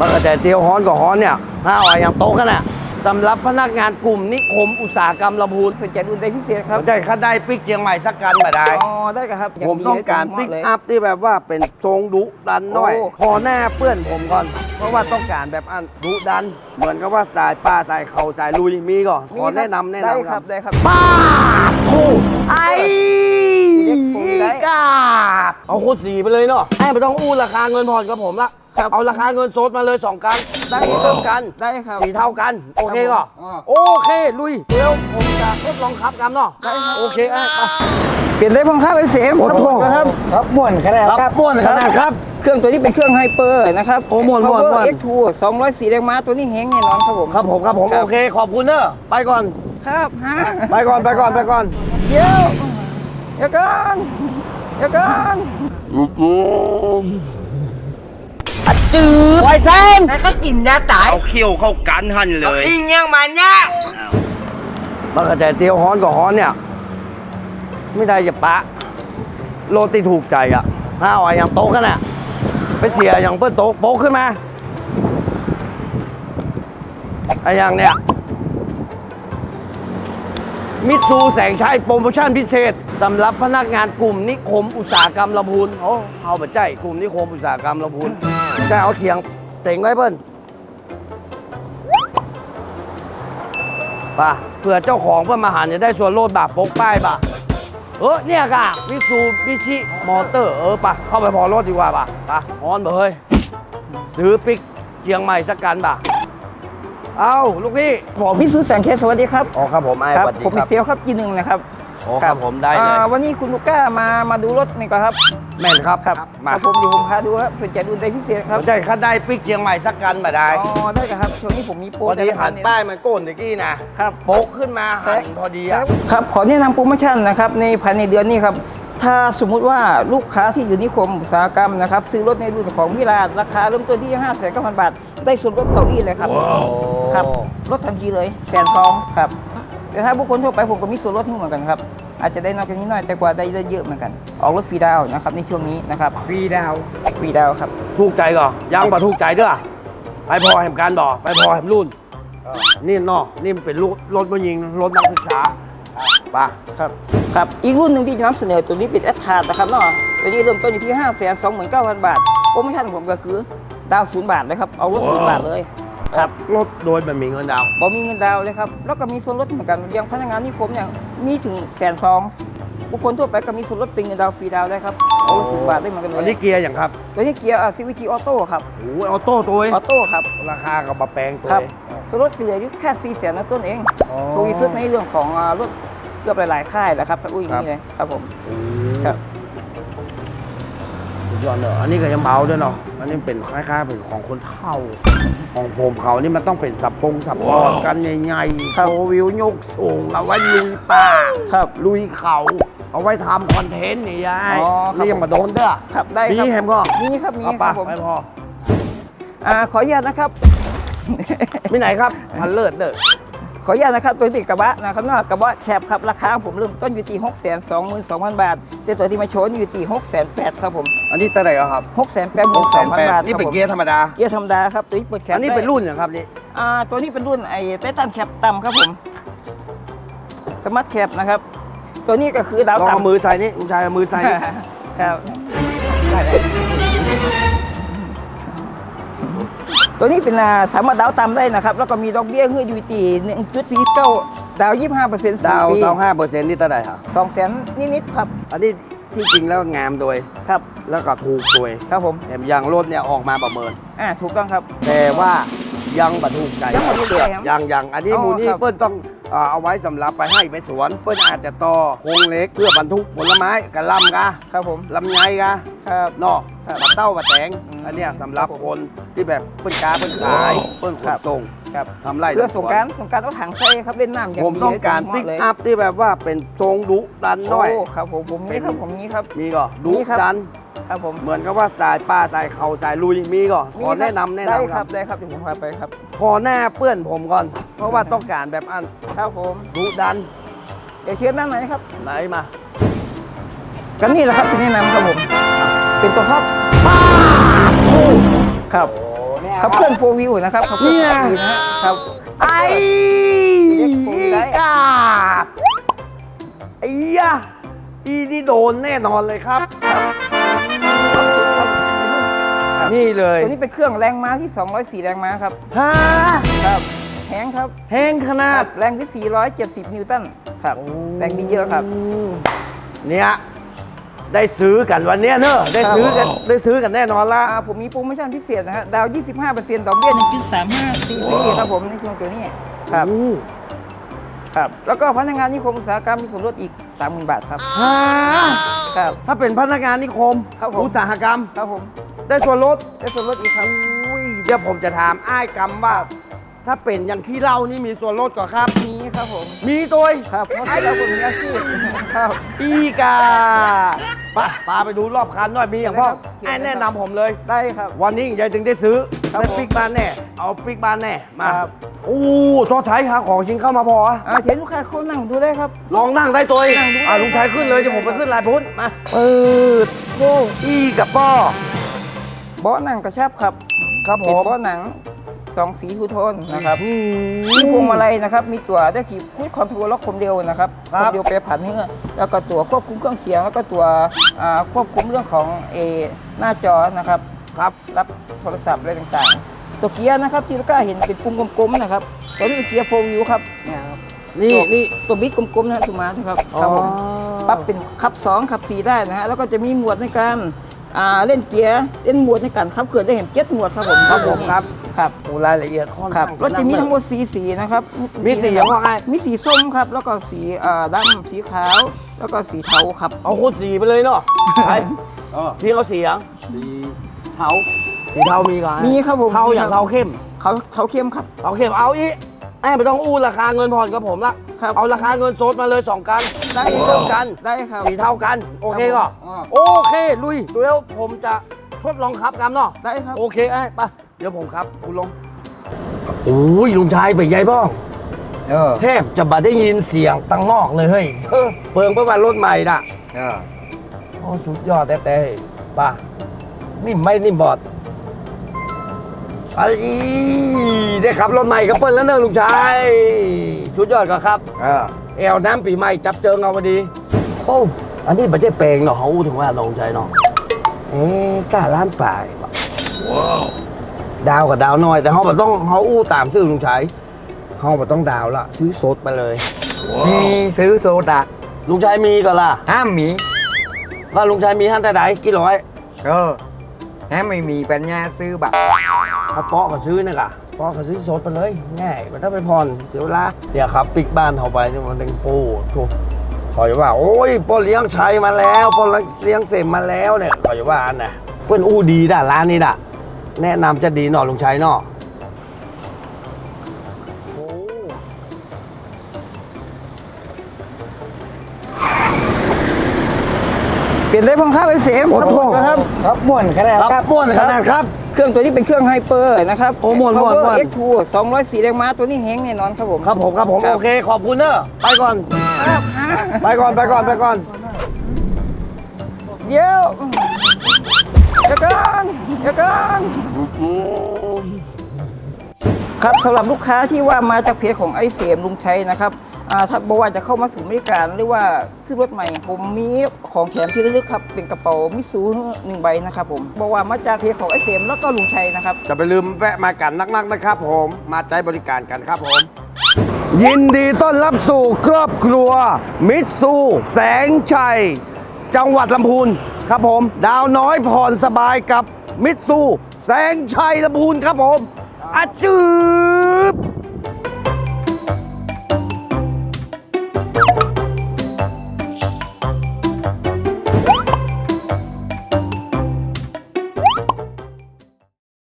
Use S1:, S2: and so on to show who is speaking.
S1: มันก็แต่เตียวฮ้อนกับฮ้อนเนี่ยห้าอ่อยอย่างโต๊ะกันน่ะสำหรับพนักงานกลุ่มนิคมอุตสาหกรรมลำพูน
S2: สนใจอุ่นใจพิเศษครับ
S1: ได้ค่าได้ปิกเชียงใหม่สักกันมาได้
S2: อ๋อได้ครับ
S1: ผมต้องการปิกอัพที่แบบว่าเป็นทรงดุดันหน่อย
S2: โอ้
S1: พอหน้าเปื้อนผมก่อน เพราะว่าต้องการแบบอันดุดัน เหมือนกับว่าสายป้าสายเข่าสายลุยมีก่อนขอแนะนำ
S2: ได้ครับได้ครับ
S1: ป้าถูกไอ้
S2: เด็กผมได้
S1: กาบเอาโคตรสีไปเลยเนาะให้ไม่ต้องอู้ราคาเงินผ่อนกับผมละ
S2: ครับ
S1: เอาราคาเงินสดมาเลย2กัน
S2: ได้
S1: สีเท่ากัน
S2: ได้ครับ
S1: สีเท่ากัน โอเคก็
S2: อ๋อ
S1: โอเคลุยเดี๋ยวผมจะทดลองขับกันเนาะได้ครับโอเคไป
S2: เปลี่ยนได้พงครับไอเสมครับผมนะครับครับม่วนขนาด
S1: ครับม่วนขนาดครับ
S2: เครื่องตัวนี้เป็นเครื่องไฮเปอร์นะครับ
S1: โอ้ม่วน
S2: Power X2 204แรงม้าตัวนี้แฮงแน่นอนครับผม
S1: ครับผมโอเคขอบคุณเนอะไปก่อน
S2: ครับฮะ
S1: ไปก่อน
S2: เดี๋ยวก่อนเดี๋ยวก่อน
S1: จืดไวเซน
S2: แล้วก็กินยาตาย
S1: เอาเขี้ยวเข้ากันหันเลย
S2: อิงยังมันเนี่ย
S1: มันก็แต่เตียวฮ้อนกับฮ้อนเนี่ย ไม่ได้จะปะโรตีถูกใจอ่ะห้าอ่อยอย่างโต๊ะกันน่ะไปเสียอย่างเปิ้ลโต๊ะโป๊กขึ้นมาไอ้อย่างเนี้ยมิตซูแสงชัยโปรโมชั่นพิเศษสำหรับพนักงานกลุ่มนิคมอุตสาหกรรมลำพูนเอาไปใจกลุ่มนิคมอุตสาหกรรมลำพูนจะเอาเขียงเต่งไว้เปิ้ลป่ะเผื่อเจ้าของเพื่อนมาหาจะได้ส่วนลดแบบปกป้ายป่ะเนี่ยกะมิตซูบิชิมอเตอร์ป่ะเข้าไปพอรถดีกว่าป่ะฮอนเฮ้ยซื้อปิกเชียงใหม่สักกันป่ะเอาลูกพี่ผม
S2: มิสูแสงเคสสวัสดีครับ
S1: อ๋อครับผมไอ้
S2: ครับ
S1: สวัสดี
S2: ผมเป็นเซลล์ครับจีหนึ่งนะครับ
S1: อ๋อครับผมได้เลย
S2: วันนี้คุณลูก้ามาดูรถนี่ก่อนครับ
S1: แม่นครับ
S2: ครับ
S1: มา
S2: ผมพาดูครับสนใจอุ่นใจพิเศษครับ
S1: ได้ค่าได้ปิกเชียงใหม่สักกันมาได้
S2: อ๋อได้ครับช่วงนี้ผมมีโปร
S1: พอดี
S2: แต่ละ
S1: หัน
S2: เนี่ย
S1: ป้ายมันโก้นตะกี้นะครับโป๊กขึ้นมาหันพอดีอ่ะ
S2: ครับขอแนะนำโปรโมชั่นนะครับในภายในเดือนนี้ครับถ้าสมมุติว่าลูกค้าที่อยู่นิคมอุตสาหกรรมนะครับซื้อรถในรุ่นของมิลาราคาเริ่มต้นที่ 5,900,000 บาท ได้ส่วนลดเก้าอี้เลยครับครับลดทันทีเลย120,000ครับแต่ถ้าบุคคลทั่วไปผมก็มีส่วนลดให้เหมือนกันครับอาจจะได้น้อยกว่านี้หน่อยแต่กว่าได้เยอะเหมือนกันออกรถฟรีดาวน์นะครับในช่วงนี้นะครับฟรีดาวครับ
S1: ถูกใจก่อนยังบ่ถูกใจเด้อไปพอแหมการบ่ไปพอแหมรุ่นนี่เนาะนี่มันเป็นรถผู้หญิงรถนักศึกษาป่ะ
S2: ครับอีกรุ่นหนึ่งที่จะนำเสนอตัวนี้เป็นแอดทาร์นะครับเนาะตัวนี้เริ่มต้นอยู่ที่ 529,000 บาทโปรโมชั่นของผมก็คือดาว0 บาทเลยครับเอารถ0 บาทเลยครับ
S1: รถโดยแบบมีเงินดาวน์
S2: บ่มีเงินดาวน์เลยครับแล้วก็มีส่วนลดเหมือนกันอย่างพนักงานนิคมเนี่ยมีถึง120,000บุคคลทั่วไปก็มีส่วนลดเป็นเงินดาวน์ฟรีดาวน์ได้ครับเอารถ0 บาทได้เหมือนกันเล
S1: อัน
S2: ย
S1: นี้เกียร์อย่างครับ
S2: ตัวนี้เกียร์CVT Auto ครับ
S1: โอ้ยออโต้ตัวเอง
S2: ออโต้ครับ
S1: ราคากับมาแปลงตัว
S2: ครับ
S1: เอง
S2: ส่วนลดเหลืออยู่แค่400,000นะต้นเอง
S1: อ๋อ
S2: ถูกที่สุดในเรื่องของรถเกือบหลายๆค่ายแหละครับถ้าอุ้ยอย่างนี้เลยครับผมครับ
S1: สุดยอดเลยอันนี้ก็ยังเบาด้วยเนาะอันนี้เป็นคล้ายๆเป็นของคนเฒ่าของผมเขานี่มันต้องเป็นสับปอดกันใหญ่ๆ
S2: ครั
S1: โช
S2: บ
S1: ว์วิวยกสูงเอาไว้ลุยป่า
S2: ครับ
S1: ลุยเขาเอาไว้ทำคอนเทนต์นี่ยาย
S2: อ๋อครับ
S1: นี่ยังมาโดนเด้อ
S2: ครับได้ครับ
S1: มีแฮมก็
S2: มีครับมี
S1: เอา
S2: ค
S1: ปะ
S2: รับผม
S1: ไม่พอ
S2: ขออนุญาตนะครับ
S1: มีไหนครับพันเลิศเด้อ
S2: ขออนุญาตนะครับตัวที่เป็นกระบะนะครับนอกกระบะแคบครับราคาของผมเริ่มต้นอยู่ที่622,000 บาทแต่ตัวที่มาโชว์อยู่ที่680,000ครับผม
S1: อันนี้เท่าไหร่ครับ
S2: 682,000 บาท
S1: นี่เป็น
S2: ครับผม
S1: เกียร์ธรรมดา
S2: เกียร์ธรรมดาครับตัวนี้เปิดแคป
S1: อันนี้เป็นรุ่นอย่างครับนี่
S2: ตัวนี้เป็นรุ่นไอ้ไททันแคปต่ำครับผมสมาร์ทแคปนะครับตัวนี้ก็คือดาว
S1: ลองเอา
S2: ต่ำ
S1: มือใส่นี่คุณชายเอามือใส่นี่
S2: ครับได้เลยตัวนี้เป็นสามารถดาวต่ำได้นะครับแล้วก็มีดอกเบี้ยเงื่อนอยู่ที่1.49ดาว25%
S1: ดาว
S2: 4 ปี
S1: 5%นี่เท่าไหร่ครับ
S2: 200,000นิดๆครับ
S1: อันนี้ที่จริงแล้วงามโดย
S2: ครับ
S1: แล้วก็ถูกโดย
S2: ครับผม
S1: แถมยางรถเนี่ยออกมาประเมิน
S2: ถูกต้องครับ
S1: แต่ว่ายังบัถูกใจ
S2: ยังบ่ถูกใจครับ
S1: ยังอันนี้
S2: อ๋อ
S1: มูนี่
S2: ครับ
S1: เปิ้ลต้องเอาไว้สำหรับไปให้ไปสวน เปิ้ลอาจจะต่อโครงเหล็กเพื่อบรรทุกผลไม้กระลำกะ
S2: ครับผม
S1: ลำไยกะ
S2: ครับ
S1: เนาะ
S2: ครับ
S1: บัดเต้าบัดแตง
S2: อืม
S1: อันเนี้ยสำหรับคนที่แบบเปิ้ลกาเปิ้ลขายเปิ้ลข
S2: ครั
S1: น
S2: บ
S1: ส่ง
S2: ครับ
S1: ทำไร
S2: เพื่อสงกรารเอาถังใส่ครับเล่นน้ำอย่าง
S1: ผมต้องการ
S2: ดี
S1: ปิก
S2: เลย
S1: อัพที่แบบว่าเป็นทรงดุดันหน่อย
S2: ครับผมมีครับผมมีครับ
S1: มีก็ดุ
S2: มีครับ
S1: ดัน
S2: ครับผม
S1: เหมือนกับว่าสายป้าสายเข่าสายลุยมีก็ขอ
S2: มีครับ
S1: แนะนำ
S2: ได้
S1: ค
S2: ค
S1: รั
S2: รั
S1: บบ
S2: ได้ครับเดี๋ยวผมพาไปครับ
S1: พอหน้าเปื้อนผมก่อน เพราะว่าต้องการแบบอัน
S2: ครับผม
S1: ดุดัน
S2: เดี๋ยวเชิญนั่งหน่อยนะครับ
S1: ไหนมา
S2: กันนี่แหละครับที่แนะนำครับผมเป็นตัวครับ
S1: ป้าโอ้
S2: ครับ
S1: เนี่
S2: ขับเคลื่อนโฟวิวนะครับขับเคลื่อน4 วนะครับ
S1: ไอ้
S2: เรียกโฟวิวได้
S1: กาบไอ้ยะอีนี่โดนแน่นอนเลยครับ นี่เลย
S2: ตัวนี้เป็นเครื่องแรงม้าที่204 แรงม้าครับ
S1: ฮะ
S2: ครับแห้งครับ
S1: แห้งขนาด
S2: แรงที่470 นิวตันครับแรงดีเยอะครับ
S1: เนี่ยได้ซื้อกันวันเนี้ยเนอะได้ซื้อกันได้ซื้อกันแน่นอนละ
S2: ผมมีโปรโมชั่นพิเศษนะฮะดาว 25%ดอกเบี้ย 1.35 CP ครับผมในช่วงตัวนี้ครับ
S1: อู้
S2: ครับแล้วก็พนักงานนิคมอุตสาหกรรมมีส่วนลดอีก 30,000 บาทครับ
S1: ฮะ
S2: ครับ
S1: ถ้าเป็นพนักงานนิคม
S2: ครับผม
S1: อุตสาหกรรม
S2: ครับผม
S1: ได้ส่วนลด
S2: ได้ส่วนลดอีกครับ
S1: อุ้ยเดี๋ยวผมจะถามอ้ายกรรมว่า ถ้าเป็นอย่างที่เล่านี่มีส่วนลดก่อครับ
S2: มีครับผม
S1: มีตัว
S2: ครับเพราะที่เราคนมีอาชีพครับ
S1: อีกาปาไปดูรอบคันหน่อยมีอย่างพ่อ
S2: เชิญเลยครับ
S1: ไอ้แนะนำผมเลย
S2: ได้ครับ
S1: วันนี้ยายถึงได้ซื้อ
S2: ครับ
S1: ได้
S2: ผม
S1: ปิกบ้านแน่ เอาปิกบ้านแน่ มา
S2: ครับ
S1: โอ้ทอดไทยหาของจริงเข้ามาพออะ
S2: เชิญลูกค้าเข้านั่งดูได้ครับ
S1: ลองนั่งได้ตัวเอง
S2: นั่งดูได้
S1: ลุงชายขึ้นเลยเดี๋ยวผมไปขึ้นลายพุ้นมาเปิดโอ้อีกับป้อ
S2: เบาะหนังกระชับครับ
S1: ครับผ
S2: เป็น
S1: ม
S2: เบาะหนัง2 สีทูโทนนะครับ
S1: อื
S2: มีพวงมาลัยนะครับ มีตัวได้ทีพูดคอนโทรลล็อกคมเดียวนะครับ
S1: ครั
S2: ค
S1: บ
S2: มเดียวแปรผันเนื้อแล้วก็ตัวควบคุมเครื่องเสียง แล้วก็ตัวควบคุมเรื่องของหน้าจอนะครับ
S1: ครับ
S2: รับโทรศัพท์อะไรต่างๆ ตัวเกียร์นะครับที่ลูกค้าเห็นเป็นปุ่มกลมๆนะครับตัวนี้เป็นเกียร์4 วิวครับเนี่ยครับ
S1: นี่
S2: ตัวบิ๊กกลมๆนะฮะสุมาร์ทครับครับผม
S1: อ๋อ
S2: ปรับเป็นขับ 2 ขับ 4 ได้นะฮะแล้วก็จะมีหมวดในการเล่นเกียร์เล่นหมวดในการขับเคลื่อนได้เห็น7 หมวดครับผม
S1: ครับผมครับ
S2: ครับ
S1: โอ้รายละเอียดค่อน
S2: ครั
S1: ข้า
S2: บ
S1: ง
S2: รถจะมีทั้งหมดสีนะครับ
S1: มีสีอย่างว่าไง
S2: มีสีส้มครับ แล้วก็สีดำสีขาว แล้วก็สีเทาครับ
S1: เอาโคตรสีไปเลยเนาะไปพี่เขาสีอย่างสีเทาสีเทามีกัน
S2: มีครับผม
S1: เทาอย่างเทาเข้ม
S2: เขาเข้มครับ
S1: เทาเข้มเอาอีไอ้ไม่ต้องอู้ราคาเงินผ่อนกับผมละ
S2: ครับ
S1: เอาราคาเงินสดมาเลย2 กัน
S2: ได้
S1: สี
S2: ครั
S1: เท่า
S2: บ
S1: กัน
S2: ได้ครับ
S1: สีเท่ากัน โอเคก็ โอเคลุยเดี๋ยวผมจะทดลองขับกันเนาะ
S2: ได้ครับ
S1: โอเคไอ้ไปเดี๋ยวผมครับคุณลงโอ้ยลุงชายไปใหญ่บ้องแทบจะบ่ได้ยินเสียงตังนอกเลยเฮ้ยเปิงเพื่อมารถใหม่น่ะโอ้สุดยอดแต่ป่ะนิ่มไม่นิ่มบอดไอ้ได้ขับรถใหม่กับเปิ้ลแล้วเนอะลุงชายสุดยอดก็ครับแอลน้ำปีใหม่จับเจิงเอาพอดีโอ้อันนี้ไม่ใช่แปลงเนาะเขาอู้ถึงว่าลงใจเนาะกล้าล้านป่ายว้าวดาวกับดาวน้อยแต่เขาแบบต้องเขาอู้ตามซื้อลุงชายเขาแบบต้องดาวละซื้อสดไปเลย
S3: มีซื้อโซดา
S1: ลุงชายมีก็ล่ะ
S3: ห้ามมี
S1: ว่าลุงชายมีท่านแต่ไหนกี่ร้อย
S3: ห้ามไม่มีปัญญาซื้อบัตร
S1: ถ้าเปาะก็ซื้อนะกะเปาะก็ซื้อสดไปเลยง่ายมันถ้าไปผ่อนเสียเวลาเดี๋ยวครับปิกบ้านเขาไปนี่มันเป็นโป้ถูกขอยว่าโอ้ยป้อเลี้ยงชัยมาแล้วป้อเลี้ยงเสมมาแล้วเนี่ยขอยว่าอันน่ะเพื่อนอู้ดีด่ะร้านนี้ด่ะแนะนำจะดีหน่อลุงชัยเนาะโอ้
S2: เปลี่ยนได้พงค่าเป็นเสมครับผมนะครับ
S3: ครับม่วนขนาด
S1: ครับม่วนขนาดครับ
S2: เครื่องตัวนี้เป็นเครื่องไฮเปอร์นะครับ
S1: โอ้ม่วน
S2: Power
S1: ม่วน
S2: X2 204 แรงม้าตัวนี้แห้งแน่นอนครับผม
S1: ครับผมโอเคขอบคุณเนอะไปก่อนไปก่อน
S2: เดี๋ยวเดี๋ยวกันครับสำหรับลูกค้าที่ว่ามาจากเพจของไอเสียมลุงชัยนะครับถ้าบอกว่าจะเข้ามาสู่บริการหรือว่าซื้อรถใหม่ ผมมีของแถมที่ระลึกครับเป็นกระเป๋ามิสู1 ใบนะครับผมบอกว่ามาจากเพจของไอเสียมแล้วก็ลุงชัยนะครับ
S1: จะไปลืมแวะมากันนักๆนะครับผมมาใช้บริการกันครับผม ยินดีต้อนรับสู่ครอบครัวมิตซูแสงชัย จังหวัดลำพูนครับผม ดาวน้อยผ่อนสบายกับมิตซูแสงชัยลำพูนครับผมอาจือ